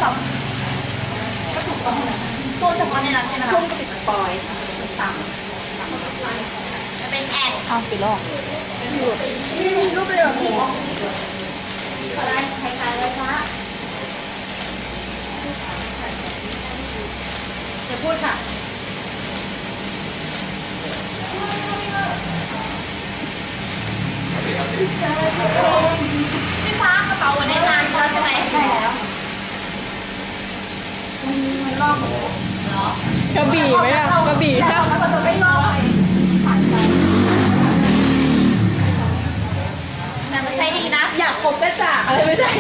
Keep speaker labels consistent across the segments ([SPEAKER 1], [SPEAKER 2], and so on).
[SPEAKER 1] แบบก็ถูกต้องช่วงเฉพาะในนั้นใช่ไหมช่วงติดปล่อยต่ำจะเป็นแอน
[SPEAKER 2] อ้าวปิดแล้ว
[SPEAKER 1] มีรูปเลยเหรอพี่อะไรใครๆเลยคะจะพูดค่ะพี่ฟ้ากระเป๋าวันนี้นานแล้วใช่ไหมใช่แล้วมันลอกเหรอกระบี่ไหมอะกระบี่ใช่ไหมมันจะไม่ลอกแต่มันใช้ดีนะอยากคบกระจ่าอะไรไม่ใช่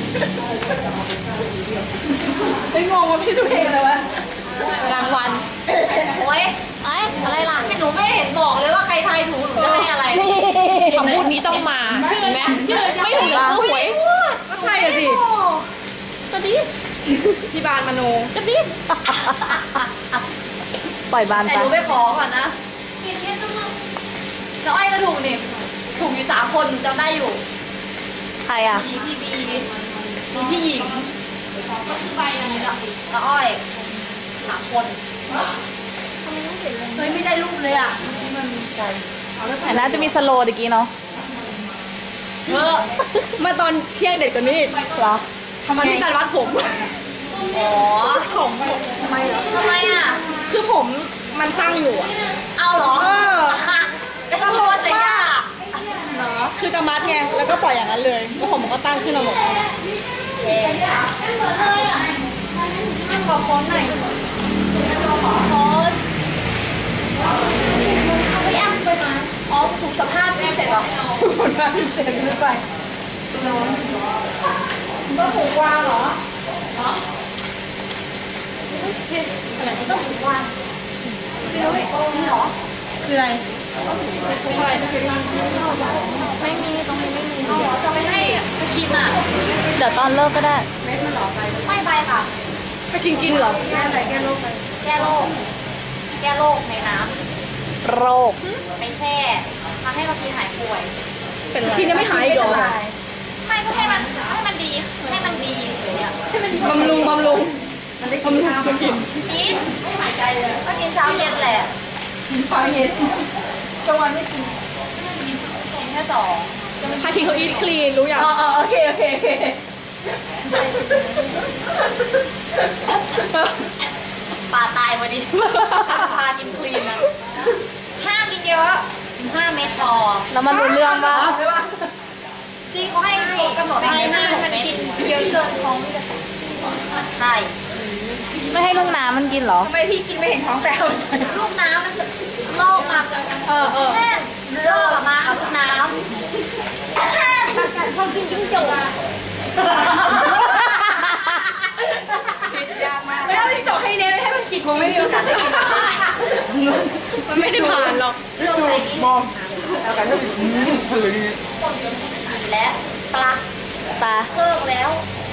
[SPEAKER 1] ไม่งงว่าพี่สุเพลงอะไรวะ
[SPEAKER 2] รางวัล
[SPEAKER 1] โอ้ยอะไรล่ะหนูไม่เห็นบอกเลยว่าใครทายถูกหนูจะให้อะไร
[SPEAKER 2] คำพูดนี้ต้องมาเห็นไหมไม่ถึงกับซื้อหวย
[SPEAKER 1] ก็ใช่อะสิ
[SPEAKER 2] ก็ดี
[SPEAKER 1] ที่บานมโน
[SPEAKER 2] ก็ดีปล่อยบานไป
[SPEAKER 1] แต่หนูไปขอก่อนนะแล้วไอ้ก็ถูกนี่ถูกอยู่3 คนหนูจำได้อยู่
[SPEAKER 2] ใครอ่ะ
[SPEAKER 1] มีพี่บีมีพี่หญิงก็คือใบนี้แล้วอ้อย3 คนเฮ้ยไม่ได้รูปเลยอ่ะ
[SPEAKER 2] แต่น่าจะมีสโลว์ตะกี้เนาะ
[SPEAKER 1] มาตอนเที่ยงเด็ดกว่านี้
[SPEAKER 2] เหรอ
[SPEAKER 1] ทำไมที่การวัดผมอ๋อผมทำไมเหรอทำไมอ่ะคือผมมันสร้างอยู่เอาเหรอก็โทษเสียเหรอคือจะมัดไงแล้วก็ปล่อยอย่างนั้นเลยแล้วผมก็ตั้งขึ้นมาหมดขอโค้ดหน่อยขอโค้ดพี่แอมไปมาอ๋อถูกสัมภาษณ์เสร็จเหรอถูกสัมภาษณ์เสร็จหรือไปก็ถูกวางเหรออะไรต้องถูกวางไม่รู้นี่เหรอคืออะไรอะไรไม่มีตรงนี้ไม่มีจะไม่ให้ไปกินอ่ะ
[SPEAKER 2] เดี๋ยวตอนเลิกก็ได้
[SPEAKER 1] เม็ดมันหรอไปไม่ไปค่ะไปกินเหรอแก้อะไรแก้โรคเลยแก้โรคในน้ำ
[SPEAKER 2] โรค
[SPEAKER 1] ไม่แช่ทำให้เรากินหายป่วย
[SPEAKER 2] เป็นไร
[SPEAKER 1] กินจะไม่หายอีกเหรอไม่ก็ให้มันดีเฉยๆบำรุงมันได้กินข้าวกินไม่หายใจเลยก็กินเช้าเย็นแหละกินเช้าเย็นกลางวันไม่กินแค่2
[SPEAKER 2] พาทีเขาอีทคลีนรู้ยัง
[SPEAKER 1] โอเคป่าตายพอดีพากินคลีนนะห้ามกินเยอะ5 เม็ดพอ
[SPEAKER 2] แล้วมันรู้เรื่องป่ะ
[SPEAKER 1] จริงเขาให้กำหนดให้5 เม็ดเยอะเกินท้องใช่
[SPEAKER 2] ไม่ให้ลูกน้ำมันกินเหรอ
[SPEAKER 1] ทำไมพี่กินไม่เห็นท้องแต่ลูกน้ำมันจะลอกมาแค่ลอกมาเอาลูกน้ำชอบกินจิ้งจกไม่เอาจิ้งจกให้เน้นให้มันกินคงไม่มีโอกาสได้กิน
[SPEAKER 2] มันไม่ได้ผ่านหรอก
[SPEAKER 1] มองเอากันถ้าเลยกินแล้วปลาเพิ่มแล้ว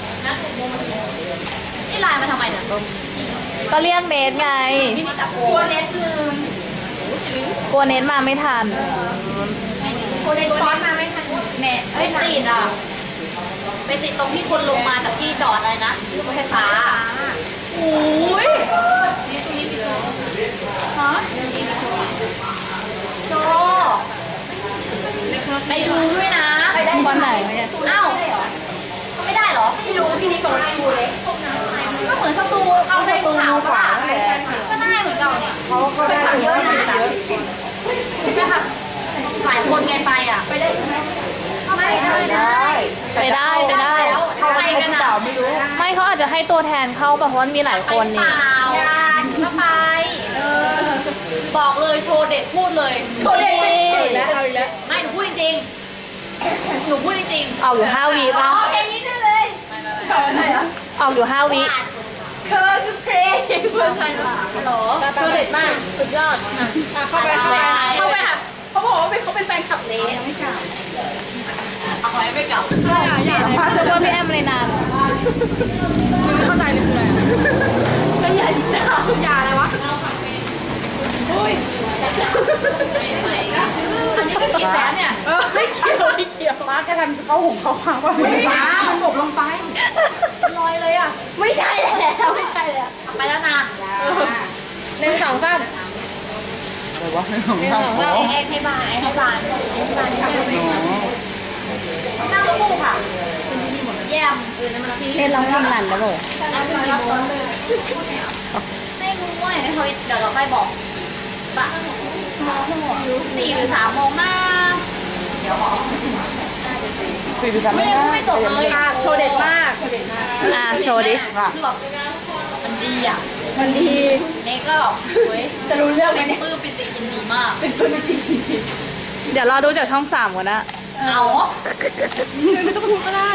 [SPEAKER 1] นี่ไลน์มาทำไมเนี่ย
[SPEAKER 2] ก็เรียกเนทไง
[SPEAKER 1] กลัวเน็ตลืม
[SPEAKER 2] กลัวเนทมาไม่ทัน
[SPEAKER 1] กลัวเน็ตซ้อนมาไม่ทันแม่ไม่ติดอ่ะไปติดตรงที่คนลงมาจากที่จอดอะไรนะรถไฟฟ้าโอ้ยฮะโชว์ไปดูด้วยนะไปได้
[SPEAKER 2] วันไหน
[SPEAKER 1] เอ้าไม่ได้เหรอไม่รู้พี่นี่เปิดดูเลยก็เหมือนสตูเอาในขาวขวาก็ได้เหมือนกันเนี่ยเขาก็ได้เยอะนะใช่ค่ะหลายคนไงไปอ่ะไปได้ไหม
[SPEAKER 2] ไปได้
[SPEAKER 1] ทำไมกันอ่ะ
[SPEAKER 2] ไม่เขาอาจจะให้ตัวแทนเข้าเพราะว่ามีหลายคนนี่
[SPEAKER 1] ก็ไปบอกเลยโชว์เด็ดพูดเลยโชว์เด็ดแล้วเอาอีกแล้วไม่หนูพูดจริงหนูพูดจริง
[SPEAKER 2] เอาอยู่5 วิป่ะ
[SPEAKER 1] เพลงนี้ได้เลย
[SPEAKER 2] เอาอยู่5 วิ
[SPEAKER 1] เธอคือเพลงเพื่อนใช่หรอโชว์เด็ดมากสุดยอดเข้าไปค่ะเขาบอกว่าเขาเป็นแฟนคลับเนสไม่กลับเอาไว้ไม่กลับ
[SPEAKER 2] อย่าพาจะว่าพี่แอมเลยนาน
[SPEAKER 1] ไม่เข้าใจเลยคืออะไรแล้วอย่าอะไรวะอุ้ยอันนี้ก็กี่แสนเนี่ยไม่เกี่ยว
[SPEAKER 3] มาแค่กันเขาหุงเขาพังว่าไม่มามันตกลงไป
[SPEAKER 1] ลอยเลยอ่ะไม่ใช่แล้วไม่ใช่แล้วไปแล้วนะ
[SPEAKER 2] 1 2 3
[SPEAKER 3] อะไรวะ
[SPEAKER 2] 1 2 3
[SPEAKER 1] ให้บานนั่งรถตู้ค่ะเยี่ยมเล่นร้องเพลงรันแล้วเลยไม่รู้ว่าเดี๋ยวเราไปบอกปะ4 หรือ 3 โมงนะเดี๋ยวบอก
[SPEAKER 3] 43
[SPEAKER 1] ไม่จบเลยโชว์เด็ดมากโชว์ดิ
[SPEAKER 3] ค่ะ
[SPEAKER 1] คือแบบมันดีอ่ะ
[SPEAKER 3] มันดี
[SPEAKER 1] เนก็แบบเฮ้ยจะรู้เรื่องไหมเนี่ยปลื้มปิติยินดีมาก
[SPEAKER 2] เดี๋ยวรอดูจากช่อง 3ก่อนนะ
[SPEAKER 1] เอาไม่ต้องพูดก็ได้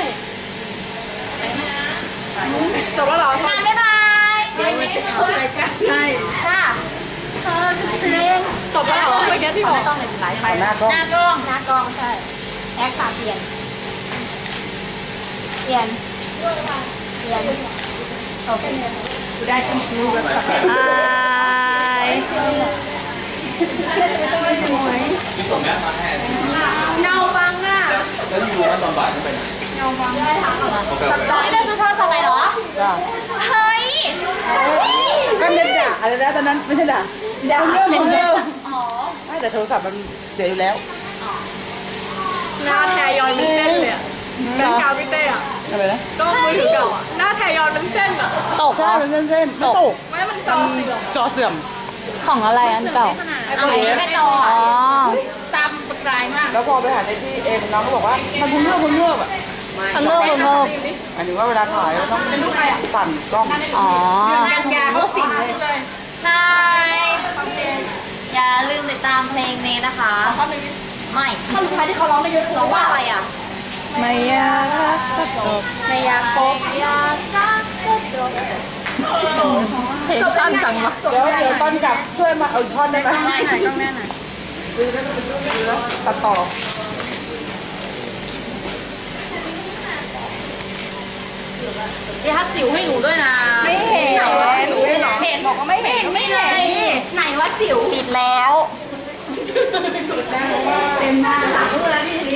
[SPEAKER 1] จบแล้วเหรองานบ๊ายบายเดี๋ยวนี้ใช่ค่ะเธอเพลง
[SPEAKER 2] จบแล้วเหรอเมื่อกี้ที่บอก
[SPEAKER 1] ไม่ต้องเลยหลายไป
[SPEAKER 3] หน้ากล้อง
[SPEAKER 1] หน้ากล้องใช่แอคค่ะเปลี่ยนโอเคได้ทั้งคู่แบบ
[SPEAKER 2] บาย
[SPEAKER 1] เงาบังอ่ะ
[SPEAKER 4] แล้วอยู่ว่าตอนบ่ายต้องไปไหน
[SPEAKER 1] ตอนนี้ได้ซื้อโทรศัพท์ใหม่เหรอ
[SPEAKER 3] จ้า
[SPEAKER 1] เฮ้ย
[SPEAKER 3] ก็เน็ตด่าอะไรนะตอนนั้นไม่ใช่ด่าเรื่อง
[SPEAKER 1] อ๋อ
[SPEAKER 3] ไม่แต่โทรศัพท์มันเสียอยู่แล้ว
[SPEAKER 2] หน้าแทยอนมันเส้นเลยอะแบงค์กาวพี่เต้อะ
[SPEAKER 3] อะไรนะ
[SPEAKER 2] ก็มือถือเก่าอะหน้าแทยอนมันเส้นอะตก
[SPEAKER 3] ใช่มันเส้นๆไม่ตก
[SPEAKER 2] ไม่มันจอเสื่อม
[SPEAKER 3] จอเสื่อม
[SPEAKER 2] ของอะไรอันเก่า
[SPEAKER 1] เอาไปแค่จอ
[SPEAKER 2] อ๋อ
[SPEAKER 1] ตามประกายมาก
[SPEAKER 3] แล้วพอไปหาในที่เองน้องก็บอกว่ามันพุ่งเงื่อบอ่ะ
[SPEAKER 2] พังเงิบพังเงิบ
[SPEAKER 3] หมายถึงว่าเวลาถ่ายเราต้องสั่นกล้อง
[SPEAKER 2] อ๋อ
[SPEAKER 1] งานยาเขาสิงเลยใช่อย่าลืมติดตามเพลงนี้นะคะไม่ท่อนสุดท้ายที่เขาร้องไม่เยอะร้องว่าอะไรอ่ะ
[SPEAKER 2] ไม่อยากรักก็จบ
[SPEAKER 1] ไม่อยากพบอยากรักก็จบ
[SPEAKER 2] เพลงสั้นจังวะ
[SPEAKER 3] เดี๋ยวตอนกลับช่วยมาเอาอีกท่อนได้ไหม
[SPEAKER 1] ไม่หน่อยต้องแน่หน่อย
[SPEAKER 3] ดูแล้วตัดต่อ
[SPEAKER 1] เดี๋ยวถ้าสิวให้หนูด้วยนะ
[SPEAKER 3] ไม่เห็น
[SPEAKER 1] ไหนว่าสิวเห็นบอกว่าไม่เห็นไม่เห็นไหนว่าสิวปิดแล้วเต็มหน้าหลังแล้วนี่ทีนี้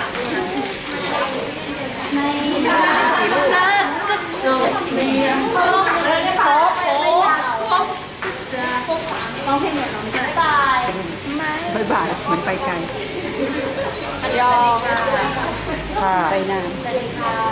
[SPEAKER 1] ไม่อยากรักก็จบไม่อยากพบครบจะร้องเพลงเหมือนน้องจะตาย
[SPEAKER 3] บายบายเหมือนไปไกล
[SPEAKER 1] ยอม
[SPEAKER 3] ค่ะ
[SPEAKER 1] ไปนานสวัสดีค่ะ